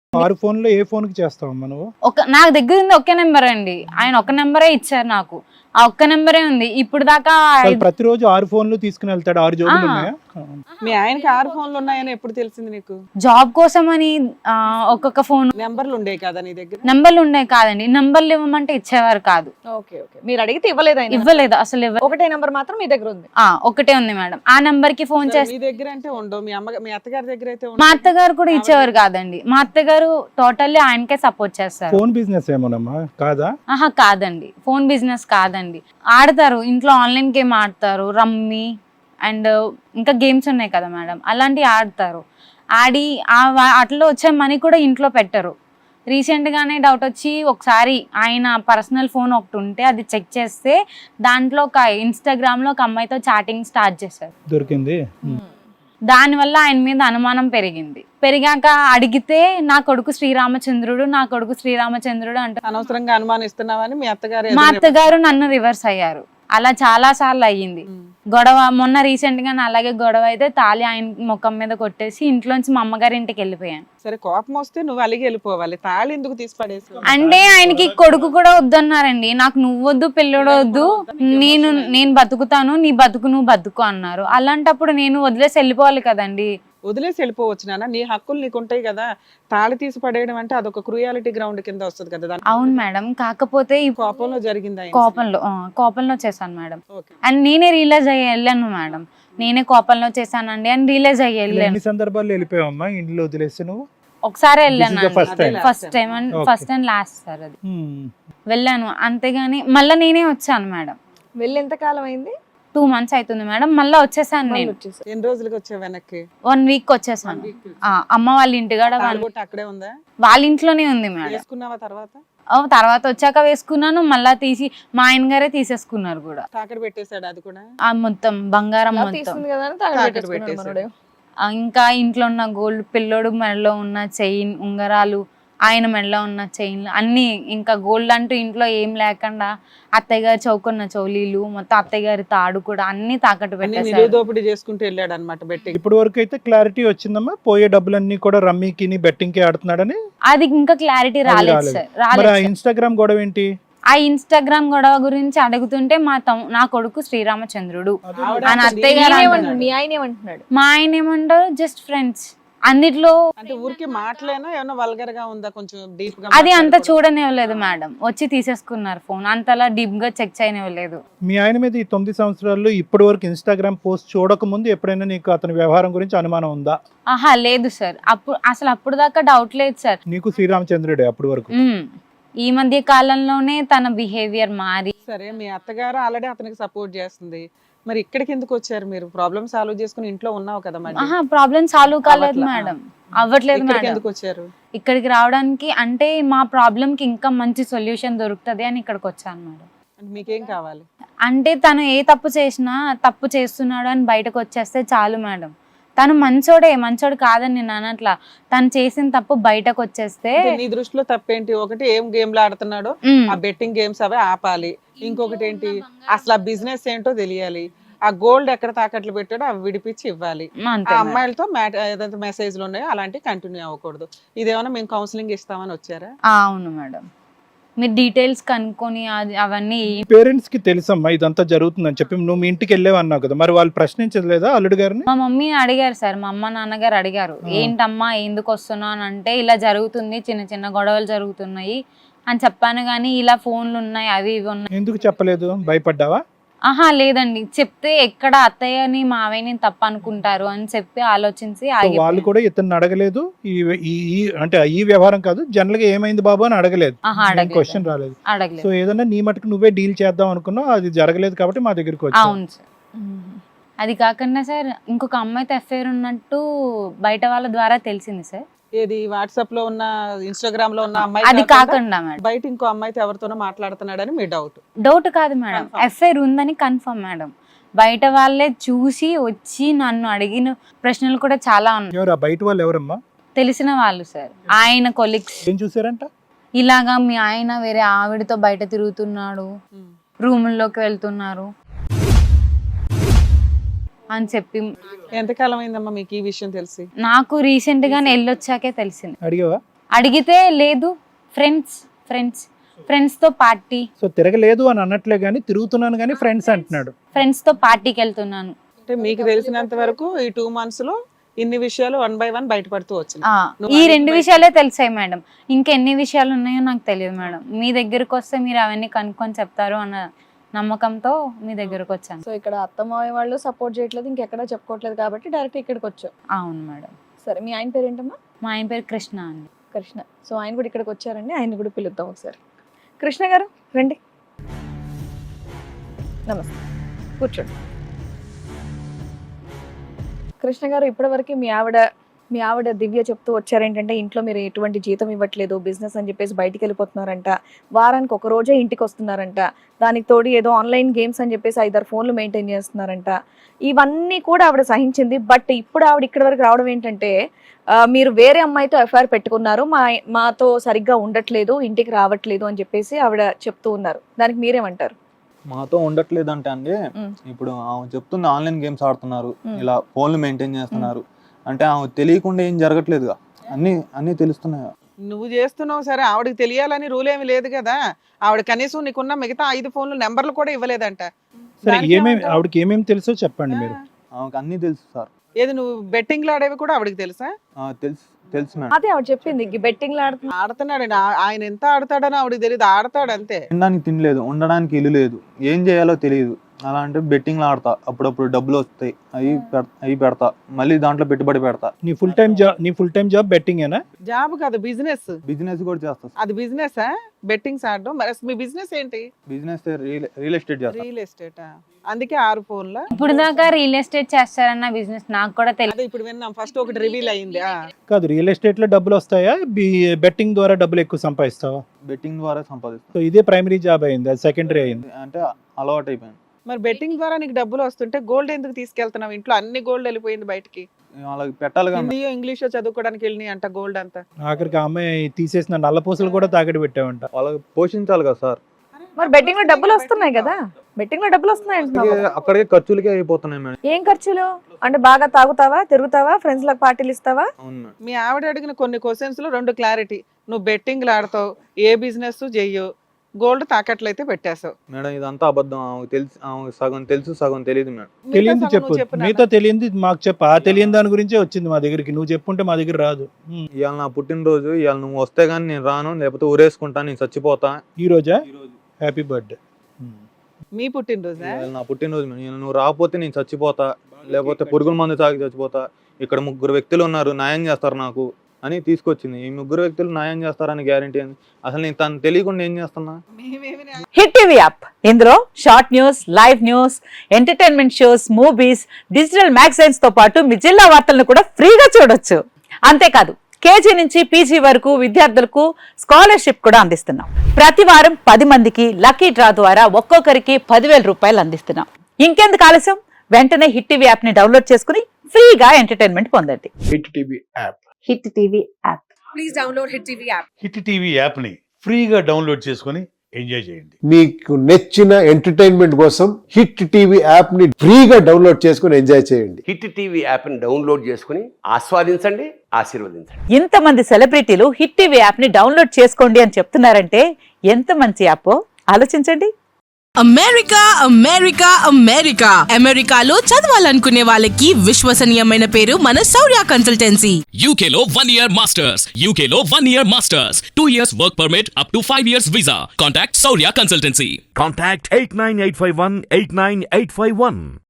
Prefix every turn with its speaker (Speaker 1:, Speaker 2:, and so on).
Speaker 1: 6 ఫోన్లో ఏ ఫోన్ కి చేస్తావమ్మా నువ్వు?
Speaker 2: నా దగ్గర ఉంది ఒకే నెంబర్ అండి. ఆయన ఒక్క నెంబరే ఇచ్చారు నాకు. ఆ ఒక్క నెంబరే ఉంది ఇప్పుడు దాకా.
Speaker 1: అసలు ప్రతిరోజు 6 ఫోన్లు తీసుకుని వెళ్తాడు. 6 జోబులు ఉన్నాయా?
Speaker 3: మీ ఆయనకి 6 ఫోన్లు ఉన్నాయని ఎప్పుడు తెలిసింది నీకు?
Speaker 2: జాబ్ కోసం అని ఒక్కొక్క ఫోన్
Speaker 3: నెంబర్లు ఉండే కదా నీ దగ్గర?
Speaker 2: నంబర్లు ఉన్నాయి కాదండి, నంబర్లు ఇవ్వమంటే ఇచ్చేవారు కాదు.
Speaker 4: ఓకే ఓకే, మీరు అడిగితే ఇవ్వలేదు ఆయన?
Speaker 2: ఇవ్వలేదు అసలు
Speaker 4: ఒకటే నెంబర్ మాత్రం మీ దగ్గర ఉంది?
Speaker 2: ఒకటే ఉంది మేడం. ఆ నంబర్ కి ఫోన్ చేస్తే
Speaker 3: మీ దగ్గర అంటే ఉండవు, మీ అత్తగారి దగ్గర అయితే
Speaker 2: మా అత్తగారు కూడా ఇచ్చేవారు కాదండి. మా అత్తగారు టోటల్లీ ఆయనకే సపోర్ట్ చేస్తారు.
Speaker 1: ఫోన్ బిజినెస్ ఏమోనమ్మా? కాదా?
Speaker 2: ఆహా కాదండి, ఫోన్ బిజినెస్ కాదండి. ఆడతారు ఇంట్లో, ఆన్లైన్ గేమ్ ఆడతారు, రమ్మీ అండ్ ఇంకా గేమ్స్ ఉన్నాయి కదా మేడం, అలాంటివి ఆడతారు. ఆడి అట్లా వచ్చే మనీ కూడా ఇంట్లో పెట్టరు. రీసెంట్గానే డౌట్ వచ్చి ఒకసారి ఆయన పర్సనల్ ఫోన్ ఒకటి ఉంటే అది చెక్ చేస్తే దాంట్లో ఒక ఇన్స్టాగ్రామ్లో ఒక అమ్మాయితో చాటింగ్ స్టార్ట్ చేశారు.
Speaker 1: దొరికింది.
Speaker 2: దానివల్ల ఆయన మీద అనుమానం పెరిగింది. పెరిగాక అడిగితే నా కొడుకు శ్రీరామచంద్రుడు, నా కొడుకు శ్రీరామచంద్రుడు అంటే
Speaker 3: అనవసరంగా అనుమానిస్తున్నావని మీ అత్తగారు
Speaker 2: మా అత్తగారు నన్ను రివర్స్ అయ్యారు. అలా చాలా సార్లు అయ్యింది గొడవ. మొన్న రీసెంట్ గా అలాగే గొడవ అయితే తాళి ఆయన ముఖం మీద కొట్టేసి ఇంట్లోంచి మా అమ్మగారి ఇంటికి వెళ్ళిపోయాను.
Speaker 3: సరే కోపం వస్తే నువ్వు అలిగి వెళ్ళిపోవాలి, తాళి ఎందుకు తీసి పడేసి?
Speaker 2: అంటే ఆయనకి కొడుకు కూడా వద్దన్నారండి. నాకు నువ్వు వద్దు, పిల్లడు వద్దు, నేను బతుకుతాను, నీ బతుకు నువ్వు బతుకు అన్నారు. అలాంటప్పుడు నేను వదిలేసి వెళ్ళిపోవాలి కదండి.
Speaker 3: వదిలేసి వెళ్ళిపోవచ్చు నాన్న, నీ హక్కులు నీకు ఉంటాయి కదా. తాళి తీసి పడేయడం అంటే అదొక క్రూయాలిటీ గ్రౌండ్ కింద వస్తుంది కదా.
Speaker 2: అవును మేడం, కాకపోతే ఈ
Speaker 3: కోపంలో జరిగింది,
Speaker 2: కోపంలో చేశాను మేడం. అండ్ నేనే రియలైజ్ అయ్యి వెళ్ళాను మేడం, నేనే కోపంలో చేశానండి అని రియలైజ్ అయ్యి వెళ్ళాను.
Speaker 1: ఎన్ని సందర్భాల్లో వెళ్ళిపోయావమ్మా ఇంట్లో వదిలేసి నువ్వు?
Speaker 2: ఒకసారి వెళ్ళాను,
Speaker 1: first time
Speaker 2: and first and last sir అది వెళ్ళాను. అంతేగాని మళ్ళీ నేనే వచ్చాను మేడం.
Speaker 4: వెళ్ళి ఎంత కాలం అయింది?
Speaker 2: 2 months అవుతుంది మేడం. మళ్ళీ వచ్చేసాను నేను.
Speaker 3: ఎన్ని రోజులకి వచ్చావు వెనక్కి?
Speaker 2: 1 week వచ్చేసాను. అమ్మ వాళ్ళ ఇంటికాడ
Speaker 3: అక్కడే ఉందా?
Speaker 2: వాళ్ళ ఇంట్లోనే ఉంది మేడం.
Speaker 3: వేసుకున్నావా తర్వాత?
Speaker 2: తర్వాత వచ్చాక వేసుకున్నాను, మళ్ళా తీసి మా ఆయన గారే తీసేసుకున్నారు కూడా.
Speaker 3: తాకడ పెట్టేశాడు అది కూడా?
Speaker 2: మొత్తం బంగారం మొత్తం
Speaker 4: తీసుకుంది కదా అని తాకట్టు పెట్టేశాడు.
Speaker 2: ఇంకా ఇంట్లో ఉన్న గోల్డ్, పిల్లోడు మెడలో ఉన్న చైన్, ఉంగరాలు, ఆయన మెడలో ఉన్న చైన్లు అన్ని, ఇంకా గోల్డ్ అంటూ ఇంట్లో ఏం లేకుండా అత్తయ్య గారు చౌకున్న చౌలీలు మొత్తం, అత్తయ్య గారి తాడు కూడా అన్ని తాకట్టు పెట్టేశారు.
Speaker 3: దోపిడీ చేసుకుంటూ వెళ్ళాడు అనమాట బెట్టింగ్.
Speaker 1: ఇప్పుడు వరకు అయితే క్లారిటీ వచ్చిందమ్మా, పోయే డబ్బులన్నీ కూడా రమ్మీకి బెట్టింగ్ కి ఆడుతున్నాడని?
Speaker 2: అది ఇంకా క్లారిటీ రాలేదు సార్. రాలేదు.
Speaker 1: ఇన్స్టాగ్రామ్ గొడవ ఏంటి?
Speaker 2: ఆ ఇన్స్టాగ్రామ్ గొడవ గురించి అడుగుతుంటే నా కొడుకు శ్రీరామచంద్రుడు అని అత్తయ్య గారు.
Speaker 4: మీ ఆయన ఏమంటున్నాడు?
Speaker 2: మా ఆయన ఏమంటారు, జస్ట్ ఫ్రెండ్స్ అన్నిట్లో.
Speaker 3: అంటే ఊరికి మాటలేనా, ఏమన్నా వల్గర్ గా ఉందా? కొంచెం డీప్ గా
Speaker 2: అది అంత చూడనివ్వలేదు మేడం. వచ్చి తీసేసుకున్నారు ఫోన్, అంతలా డీప్ గా చెక్ చేయనివ్వలేదు.
Speaker 1: మీ ఆయన మీద ఈ 9 సంవత్సరాల్లో ఇప్పటి వరకు ఇన్స్టాగ్రామ్ పోస్ట్ చూడక ముందు ఎప్పుడైనా నీకు అతని వ్యవహారం గురించి అనుమానం ఉందా?
Speaker 2: ఆహా లేదు సార్, అప్పుడు దాకా డౌట్ లేదు సార్.
Speaker 1: నీకు శ్రీరామచంద్రుడే అప్పటి వరకు?
Speaker 2: ఈ మధ్య కాలంలోనే తన బిహేవియర్ మారి.
Speaker 3: సరే, మీ అత్తగారు ఆల్రెడీ అతనికి సపోర్ట్ చేస్తుంది, మరి ఇక్కడికి ఎందుకు వచ్చారు మీరు? ప్రాబ్లమ్ సాల్వ్ చేసుకుని ఇంట్లో ఉన్నావు కదా మరి.
Speaker 2: ప్రాబ్లం సాల్వ్ కాలేదు మేడం, అవ్వట్లేదు మేడం.
Speaker 3: ఎందుకు వచ్చారు
Speaker 2: ఇక్కడికి రావడానికి? అంటే మా ప్రాబ్లం కి ఇంకా మంచి సొల్యూషన్ దొరుకుతుంది అని ఇక్కడికి వచ్చాను మేడం.
Speaker 3: మీకేం కావాలి?
Speaker 2: అంటే తను ఏ తప్పు చేసినా తప్పు చేస్తున్నాడు అని బయటకు వచ్చేస్తే చాలు మేడం. తను మంచోడు కాదని నేను అనట్లా, తను చేసిన తప్పు బయటకు వచ్చేస్తే.
Speaker 3: నీ దృష్టిలో తప్పేంటి? ఒకటి ఏం గేమ్లు ఆడుతున్నాడో ఆ బెట్టింగ్ గేమ్స్ అవే ఆపాలి, ఇంకొకటి ఏంటి అసలు ఆ బిజినెస్ ఏంటో తెలియాలి, ఆ గోల్డ్ ఎక్కడ తాకట్లు పెట్టాడో అవి విడిపించి ఇవ్వాలి, ఆ అమ్మాయిలతో ఏదైతే మెసేజ్లు ఉన్నాయో అలాంటివి కంటిన్యూ అవ్వకూడదు. ఇదేమన్నా మేము కౌన్సిలింగ్ ఇస్తామని వచ్చారా?
Speaker 2: అవును మేడం, మీరు డీటెయిల్స్ కనుక్కొని అవన్నీ.
Speaker 1: పేరెంట్స్ కి తెలుసమ్మా ఇదంతా జరుగుతుందని చెప్పి నువ్వు మీ ఇంటికి వెళ్ళేవి అన్నావు కదా, మరి వాళ్ళు ప్రశ్నించలేదా అల్లుడు గారిని?
Speaker 2: మా మమ్మీ అడిగారు సార్, మా అమ్మ నాన్నగారు అడిగారు, ఏంటమ్మా ఎందుకు వస్తున్నావు అని. అంటే ఇలా జరుగుతుంది, చిన్న చిన్న గొడవలు జరుగుతున్నాయి అని చెప్పాను. కానీ ఇలా ఫోన్లు ఉన్నాయి, అవి ఇవి ఉన్నాయి. ఎందుకు చెప్పలేదు? భయపడ్డావా? ఆహా లేదండి, చెప్తే ఎక్కడ అత్తయ్యని మావయ్యని తప్పు అనుకుంటారు అని చెప్పి ఆలోచించి
Speaker 1: వాళ్ళు కూడా ఇతను అడగలేదు. అంటే ఈ వ్యవహారం కాదు, జనరల్ గా ఏమైంది బాబు అని అడగలేదు, క్వశ్చన్ రాలేదు. సో ఏదన్నా నీ మటుకు నువ్వే డీల్ చేద్దాం అనుకున్నావు, అది జరగలేదు కాబట్టి మా దగ్గరికి వచ్చావు.
Speaker 2: అవును సార్. అది కాకుండా సార్ ఇంకొక అమ్మాయితో అఫైర్ ఉన్నట్టు బయట వాళ్ళ ద్వారా తెలిసింది సార్.
Speaker 3: ఏది వాట్సాప్ లో ఉన్న, ఇన్స్టాగ్రామ్ లో ఉన్న అమ్మాయి?
Speaker 2: అది కాకుండా మేడం
Speaker 3: బయట ఇంకో అమ్మాయితో ఎవరితోనో మాట్లాడుతున్నాడని మీ డౌట్?
Speaker 2: డౌట్ కాదు మేడం, అఫైర్ ఉందని కన్ఫర్మ్ మేడం. బయట వాళ్ళే చూసి వచ్చి నన్ను అడిగిన ప్రశ్నలు కూడా చాలా ఉన్నాయి.
Speaker 1: బయట వాళ్ళు ఎవరమ్మా?
Speaker 2: తెలిసిన వాళ్ళు సార్, ఆయన కొలీగ్స్.
Speaker 1: ఏం చూసారంట?
Speaker 2: ఇలాగా మీ ఆయన వేరే ఆవిడతో బయట తిరుగుతున్నాడు, రూముల్లోకి వెళ్తున్నారు అని చెప్పి.
Speaker 3: ఎంతకాలం అయిందమ్మా మీకు ఈ విషయం తెలిసి?
Speaker 2: నాకు రీసెంట్ గా వెళ్ళొచ్చాకే తెలిసింది.
Speaker 1: అడిగావా?
Speaker 2: అడిగితే లేదు, ఫ్రెండ్స్తో పార్టీ.
Speaker 1: సో తిరగలేదు అని అనట్లే కానీ తిరుగుతున్నాను కానీ ఫ్రెండ్స్ అంటున్నాడు.
Speaker 2: ఫ్రెండ్స్తో పార్టీకి వెళ్తున్నాను.
Speaker 3: అంటే మీకు తెలిసినంత వరకు ఈ 2 months లో ఇన్ని విషయాలు 1 by 1 బయటపడుతూ వచ్చింది.
Speaker 2: ఈ 2 విషయాలే తెలిసాయి మేడం, ఇంకెన్ని విషయాలు ఉన్నాయో నాకు తెలియదు మేడం. మీ దగ్గరకు వస్తే మీరు అవన్నీ కనుక్కొని చెప్తారు అన్న నమ్మకంతో మీ దగ్గరకు వచ్చాను.
Speaker 4: సో ఇక్కడ అత్తమావయ్య వాళ్ళు సపోర్ట్ చేయట్లేదు, ఇంకెక్కడా చెప్పుకోవట్లేదు కాబట్టి డైరెక్ట్ ఇక్కడికి వచ్చావు.
Speaker 2: అవును మేడం.
Speaker 4: సరే, మీ ఆయన పేరు ఏంటమ్మా?
Speaker 2: మా ఆయన పేరు కృష్ణ అండి.
Speaker 4: కృష్ణ. సో ఆయన కూడా ఇక్కడికి వచ్చారండి, ఆయన కూడా పిలుద్దాం ఒకసారి. కృష్ణ గారు రండి, నమస్తే, కూర్చోండి. కృష్ణ గారు, ఇప్పటివరకు మీ ఆవిడ దివ్య చెప్తూ వచ్చారేంటంటే ఇంట్లో మీరు ఎటువంటి జీతం ఇవ్వట్లేదు, బిజినెస్ అని చెప్పేసి బయటికి వెళ్ళిపోతున్నారంట, వారానికి ఒక రోజే ఇంటికి వస్తున్నారంట, దానికి తోడు ఏదో ఆన్లైన్ గేమ్స్ అని చెప్పేసి 5-6 ఫోన్లు మెయింటైన్ చేస్తున్నారంట. ఇవన్నీ కూడా ఆవిడ సహించింది. బట్ ఇప్పుడు ఆవిడ ఇక్కడి వరకు రావడం ఏంటంటే మీరు వేరే అమ్మాయితో ఎఫ్ఐఆర్ పెట్టుకున్నారు, మాతో సరిగ్గా ఉండట్లేదు, ఇంటికి రావట్లేదు అని చెప్పేసి ఆవిడ చెప్తూ ఉన్నారు. దానికి మీరేమంటారు?
Speaker 5: మాతో ఉండట్లేదు అంటే అండి, ఇప్పుడు ఆమె చెప్తుంది ఆన్లైన్ గేమ్స్ ఆడుతున్నారు, ఇలా ఫోన్లు మెయింటైన్ చేస్తున్నారు అంటే ఆమె తెలియకుండా ఏం జరగట్లేదుగా, అన్ని తెలుస్తున్నాయా?
Speaker 3: నువ్వు చేస్తున్నావు సరే, ఆవిడకి తెలియాలని రూల్ ఏమి లేదు కదా. ఆవిడ కనీసం నీకున్న మిగతా 5 ఫోన్లు నెంబర్లు కూడా ఇవ్వలేదంట.
Speaker 1: సరే, ఆవిడకి ఏమేమి తెలుసో చెప్పండి మీరు.
Speaker 5: ఆమెకు అన్ని తెలుసు సార్.
Speaker 3: ఏది నువ్వు బెట్టింగ్లు ఆడేవి కూడా ఆవిడకి తెలుసా?
Speaker 5: తెలుసు మేడం.
Speaker 4: అదే ఆవిడ చెప్పింది, బెట్టింగ్
Speaker 3: ఆడుతున్నాడండి. ఆయన ఎంత ఆడతాడని ఆవిడకి తెలియదు, ఆడతాడు అంతే.
Speaker 5: తినడానికి తినలేదు, ఉండడానికి ఇల్లు లేదు, ఏం చేయాలో తెలియదు. అలా అంటే బెట్టింగ్లు ఆడతా, అప్పుడప్పుడు డబ్బులు వస్తాయి, అవి పెడతా, మళ్ళీ దాంట్లో పెట్టుబడి పెడతా.
Speaker 1: నీ ఫుల్ టైం జాబ్ బెట్టింగ్ ఏనా?
Speaker 3: జాబ్ కాదు, బిజినెస్
Speaker 5: కూడా చేస్తా.
Speaker 3: అది బిజినెస్ బెట్టింగ్స్ ఆడడం. మరి మీ బిజినెస్ ఏంటి?
Speaker 5: బిజినెస్ రియల్ ఎస్టేట్ చేస్తా.
Speaker 3: Real estate. అందుకే 6 ఫోన్ల.
Speaker 2: ఇప్పుడు దాకా రియల్ ఎస్టేట్ చేస్తారన్న బిజినెస్ నాకు కూడా తెలియదు.
Speaker 3: ఇప్పుడు విన్నాం, ఫస్ట్ ఒకటి రివీల్ అయింది.
Speaker 1: కాదు, రియల్ ఎస్టేట్ లో డబ్బులు వస్తాయా, బెట్టింగ్ ద్వారా డబ్బులు ఎక్కువ సంపాదిస్తావా?
Speaker 5: బెట్టింగ్ ద్వారా సంపాదిస్తా.
Speaker 1: సో ఇదే ప్రైమరీ జాబ్ అయింది, అది సెకండరీ అయింది
Speaker 5: అంటే అలవాటు అయిపోయింది.
Speaker 3: మరి బెట్టింగ్ ద్వారా నీకు డబ్బులు వస్తుంటే గోల్డ్ ఎందుకు తీసుకెళ్తున్నావు? ఇంట్లో అన్ని గోల్డ్ వెళ్ళిపోయింది బయటికి.
Speaker 5: వాళ్ళకి పెట్టాలి కదా.
Speaker 3: హిందీయో ఇంగ్లీషో చదువుకోవడానికి వెళ్ళినాయి అంట గోల్డ్ అంతా.
Speaker 1: ఆఖరికి ఆ అమ్మాయి తీసేసిన నల్లపూసలు కూడా తాకడి పెట్టావంట.
Speaker 5: వాళ్ళకి పోషించాలి కదా సార్.
Speaker 4: మరి బెట్టింగ్ లో డబ్బులు వస్తున్నాయి కదా, బెట్టింగ్ లో డబ్బులు వస్తున్నాయి అంటున్నావు.
Speaker 5: అక్కడికే ఖర్చులకే అయిపోతున్నాయి మేడం.
Speaker 4: ఏం ఖర్చులు అంటే? బాగా తాగుతావా, తిరుగుతావా, ఫ్రెండ్స్ లకు పార్టీలు ఇస్తావా?
Speaker 3: మీ ఆవిడ అడిగిన కొన్ని క్వశ్చన్స్ లో 2 క్లారిటీ. నువ్వు బెట్టింగ్లు ఆడతావు, ఏ బిజినెస్ చెయ్యు, గోల్డ్ తాకట్లయితే పెట్టేసావు.
Speaker 5: మేడం ఇదంతా అబద్ధం. ఆమెకు సగం తెలుసు, సగం తెలియదు మేడం.
Speaker 1: తెలియంది చెప్పు, మిగతా తెలియంది మాకు చెప్పు. ఆ తెలియని దాని గురించే వచ్చింది మా దగ్గరికి, నువ్వు చెప్పుంటే మా దగ్గర రాదు.
Speaker 5: ఇవాళ నా పుట్టినరోజు, ఇవాళ నువ్వు వస్తే గానీ నేను రాను, లేకపోతే ఊరేసుకుంటా, నేను చచ్చిపోతా.
Speaker 1: ఈ రోజా? Happy birthday.
Speaker 3: మీ పుట్టినరోజా?
Speaker 5: నా పుట్టినరోజు మేడం. నువ్వు రాకపోతే నేను చచ్చిపోతా, లేకపోతే పురుగుల మందు తాగి చచ్చిపోతా. ఇక్కడ 3 వ్యక్తులు ఉన్నారు, న్యాయం చేస్తారు నాకు అని తీసుకొచ్చింది. ఈ 3 వ్యక్తులు న్యాయం చేస్తారని గ్యారంటీ అంది. అసలు నేను తను తెలియకుండా ఏం చేస్తున్నా?
Speaker 6: హిట్ టీవీ యాప్, ఇందులో short news, live news, entertainment shows, movies, digital magazines తో పాటు మీ జిల్లా వార్తలను కూడా ఫ్రీగా చూడొచ్చు. అంతేకాదు, కేజీ నుంచి పీజీ వరకు విద్యార్థులకు స్కాలర్షిప్ కూడా అందిస్తున్నాం. ప్రతి వారం 10 మందికి లక్కీ డ్రా ద్వారా ఒక్కొక్కరికి 10,000 రూపాయలు అందిస్తున్నాం. ఇంకెందుకు ఆలస్యం, వెంటనే హిట్ టీవీ యాప్ ని డౌన్లోడ్ చేసుకుని ఫ్రీగా ఎంటర్టైన్మెంట్ పొందండి.
Speaker 7: Hit TV app.
Speaker 6: Hit TV app.
Speaker 8: Please download hit TV app.
Speaker 7: Hit TV app ని ఫ్రీగా డౌన్లోడ్ చేసుకొని ఎంజాయ్ చేయండి.
Speaker 9: మీకు నచ్చిన ఎంటర్టైన్మెంట్ కోసం హిట్ టీవీ యాప్ ని ఫ్రీగా డౌన్లోడ్ చేసుకొని ఎంజాయ్ చేయండి.
Speaker 10: హిట్ టీవీ యాప్ ని డౌన్లోడ్ చేసుకుని ఆస్వాదించండి, ఆశీర్వదించండి.
Speaker 6: ఇంతమంది సెలబ్రిటీలు హిట్ టీవీ యాప్ ని డౌన్లోడ్ చేసుకోండి అని చెప్తున్నారంటే ఎంత మంచి యాప్ ఆలోచించండి.
Speaker 8: అమెరికా అమెరికా అమెరికా అమెరికాలో చదవాలనుకునే వాళ్ళకి విశ్వసనీయమైన పేరు మన శౌర్య కన్సల్టెన్సీ.
Speaker 11: UK లో 1 year masters. UK లో 1 year masters. 2 years work permit up to 5 years visa. Contact Saurya Consultancy.
Speaker 12: Contact 89851 89851.